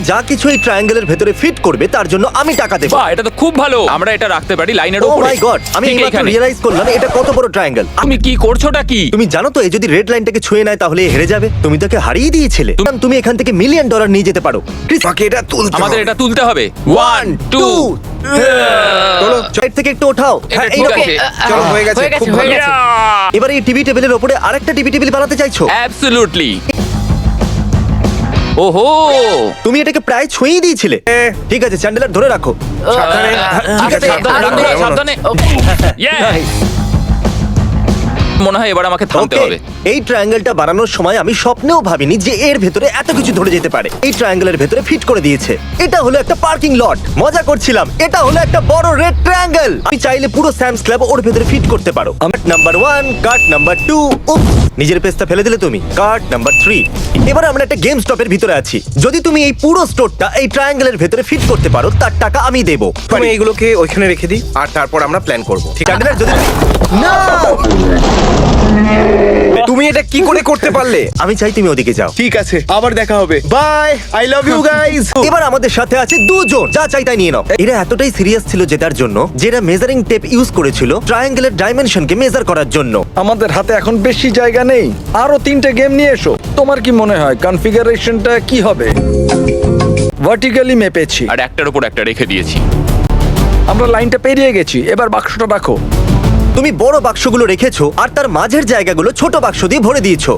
যা কিছু এই ট্রায়াঙ্গেলের ভেতরে ফিট করবে তার জন্য আমি টাকা দেবো। বাহ, এটা তো খুব ভালো। আমরা এটা রাখতে পারি লাইনের ও উপরে। মাই গড, আমি ঠিক এইমাত্র এখানে। রিয়েলাইজ করলাম এটা কত বড় ট্রায়াঙ্গেল। তুমি কি করছোটা কি? তুমি জানো তো, এ যদি রেড লাইনটাকে ছুঁয়ে নেয় তাহলে এ হেরে যাবে। তুমি তাকে হারিয়ে দিয়েছিলে। তুমি এখান থেকে $1 মিলিয়ন নিয়ে যেতে পারো। ক্রিস, আমাকে এটা তুলতে আমাদের হবে। এটা তুলতে হবে। 1 2 চলো সাইড থেকে একটু ওঠাও। এটা হ্যাঁ, ঠিক এইরকম। আছে। চলো, হয়ে গেছে, খুব ভালো। এবার এই টিভি টেবিলের উপরে আরেকটা টিভি টেবিল বানাতে চাইছো। অ্যাবসলিউটলি। ওহো, তুমি এটাকে প্রায় ছুঁয়েই দিয়েছিলে। ঠিক আছে, চ্যান্ডেলার ধরে রাখো। সাবধানে। ঠিক আছে, সাবধানে রাখো, এমন। সাবধানে। Yes! মনে হয় এবার আমাকে থামতে Okay, হবে। এই ট্রায়াঙ্গেলটা বানানোর সময় আমি স্বপ্নেও ভাবিনি যে এর ভেতরে এত কিছু ধরে যেতে পারে। এই ট্রায়াঙ্গেলের ভেতরে ফিট করে দিয়েছে। এটা হলো একটা পার্কিং লট। মজা করছিলাম। এটা হলো একটা বড় রেড ট্রায়াঙ্গেল। আমি চাইলে পুরো স্যামস ক্লাব ওর ভেতরে ফিট করতে পারো। Cart number 1, cart number 2। নিজের পেস্তা ফেলে দিলে তুমি। Cart number 3। এবার আমরা একটা গেম স্টপের ভিতরে আছি। যদি তুমি এই পুরো স্টোরটা এই ট্রায়াঙ্গেলের ভেতরে ফিট করতে পারো তার টাকা আমি দেবো। তুমি এইগুলোকে ওইখানে রেখে দিই আর তারপর আমরা প্ল্যান করব। ঠিক আছে? চ্যান্ডেলার যদি না, তুমি এটা কি করে করতে পারলে? আমি চাই তুমি ওদিকে যাও। ঠিক আছে, আবার দেখা হবে। Bye, I love you guys. এবার আমাদের সাথে আছে দুজন। যা চাই তাই নিয়ে নাও। এরা এতটাই সিরিয়াস ছিল জেতার জন্য যে এরা মেজারিং টেপ ইউজ করেছিল ট্রায়াঙ্গেলের ডাইমেনশনকে মেজার করার জন্য। আমাদের হাতে এখন বেশি জায়গা নেই। আরো 3টে গেম নিয়ে এসো। তোমার কি মনে হয় কনফিগারেশনটা কি হবে? ভার্টিক্যালি মেপেছি, আর একটার উপর একটা রেখে দিয়েছি। আমরা লাইনটা পেরিয়ে গেছি। এবার বাক্সটা রাখো। তুমি বড় বাক্সগুলো রেখেছো আর তার মাঝের জায়গাগুলো ছোট বাক্স দিয়ে ভরে দিয়েছো।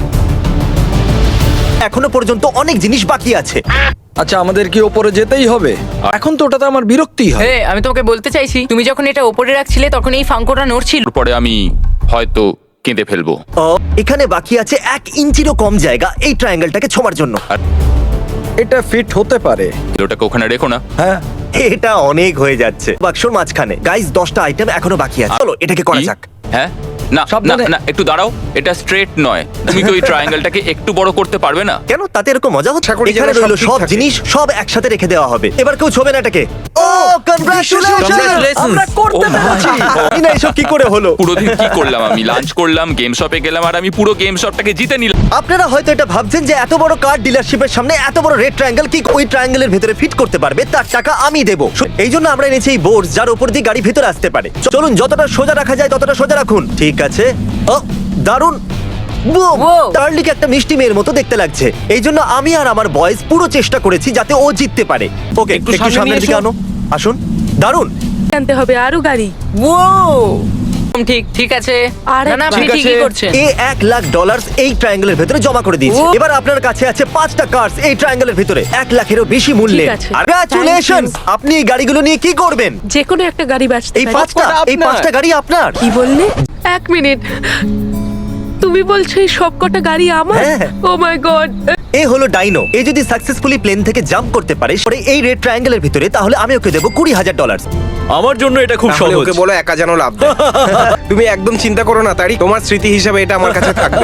এখনো পর্যন্ত অনেক জিনিস বাকি আছে। আচ্ছা, আমাদের কি ওপরে যেতেই হবে? এখন তো ওটাতে আমার বিরক্তিই হয়। আমি তোমাকে বলতে চাইছি, তুমি যখন এটা ওপরে রাখছিলে তখন এই ফাঙ্কোটা নড়ছিল। পরে আমি হয়তো কেঁদে ফেলবো। এখানে বাকি আছে 1 ইঞ্চিরও কম জায়গা এই ট্রায়াঙ্গেলটাকে ছোঁয়ার জন্য। এটা ফিট হতে পারে। ওটাকে ওখানে রেখো না। হ্যাঁ, এটা অনেক হয়ে যাচ্ছে। বাক্সর মাঝখানে গাইস 10টা আইটেম এখনো বাকি আছে। চলো এটাকে করা কি? যাক। হ্যাঁ, না না সাবধানে। না, একটু দাঁড়াও। এটা স্ট্রেট নয়। তুমি কি ওই ট্রায়াঙ্গেলটাকে একটু বড় করতে পারবে না? কেন, তাতে এরকম মজা হচ্ছে? আশা করি এখানে যেন সব রইলো ঠিক সব থাকে। জিনিস সব একসাথে রেখে দেওয়া হবে। এবার কেউ ছবে না এটাকে। ও কনগ্রাচুলেশন, আমরা করতে পেরেছি। জানি না এসব কি করে হলো। পুরো দিন কি করলাম আমি? লাঞ্চ করলাম, গেম শপে গেলাম, আর আমি পুরো গেম শপটাকে জিতে নিলাম। আপনারা হয়তো এটা ভাবছেন যে এত বড় কার ডিলারশিপের সামনে এত বড় রেড ট্রায়াঙ্গেল কি ওই ট্রায়াঙ্গেলের ভেতরে ফিট করতে পারবে তার টাকা আমি দেবো। এই জন্য আমরা এনেছি এই বোর্ড যার উপর দিয়ে গাড়ি ভেতরে আসতে পারে। চলুন যতটা সোজা রাখা যায় ততটা সোজা রাখুন। ঠিক আছে। ও দারুণ। Wow! টার্লিকে একটা মিষ্টি মেয়ের মতো দেখতে লাগছে। এই জন্য আমি আর আমার বয়েজ পুরো চেষ্টা করেছি যাতে ও জিততে পারে। ওকে, একটু একটু সামনে সামনের নিয়ে দিকে এসো। আনো। আসুন। দারুণ। আনতে হবে আরো গাড়ি। ঠিক ঠিক আছে। আর না না, আপনি ঠিক ঠিকই আছে। করছেন। এ $1,00,000 এই ট্রায়াঙ্গেলের ভেতরে জমা করে দিয়েছে। ও। এবার আপনার কাছে আছে 5টা কার্স এই ট্রায়াঙ্গেলের ভেতরে 1 লাখেরও বেশি মূল্যে। ঠিক আছে। কংগ্রাচুলেশনস। আপনি এই গাড়িগুলো নিয়ে কি করবেন? যে কোনো একটা গাড়ি বাঁচতে এই পারে। 5টা, এই 5টা গাড়ি আপনার। কি বললে? 1 মিনিট, তুমি বলছো এই সব কটা গাড়ি আমার? হ্যাঁ। ও মাই গড। এ হলো ডাইনো। এ যদি সাকসেসফুলি প্লেন থেকে জাম্প করতে পারে পরে এই রেড ট্রায়াঙ্গেলের ভিতরে, তাহলে আমি ওকে দেবো $20,000। আমার জন্য এটা খুব তাহলে সহজ। ওকে বলো একা যেন লাভ দেয়। তুমি একদম চিন্তা করো না তারি, তোমার স্মৃতি হিসাবে এটা আমার কাছে থাকবে।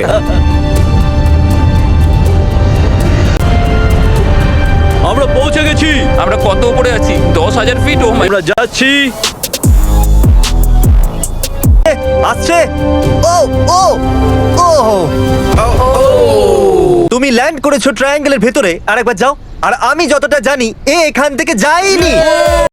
আমরা পৌঁছে গেছি। আমরা কত উপরে আছি? 10,000 ফিট। ও মাই, আমরা যাচ্ছি। আসছে। ও ও ও তুমি ল্যান্ড করেছো ট্রায়াঙ্গেলের ভেতরে। আরেকবার যাও। আর আমি যতটা জানি এ এখান থেকে যায়নি।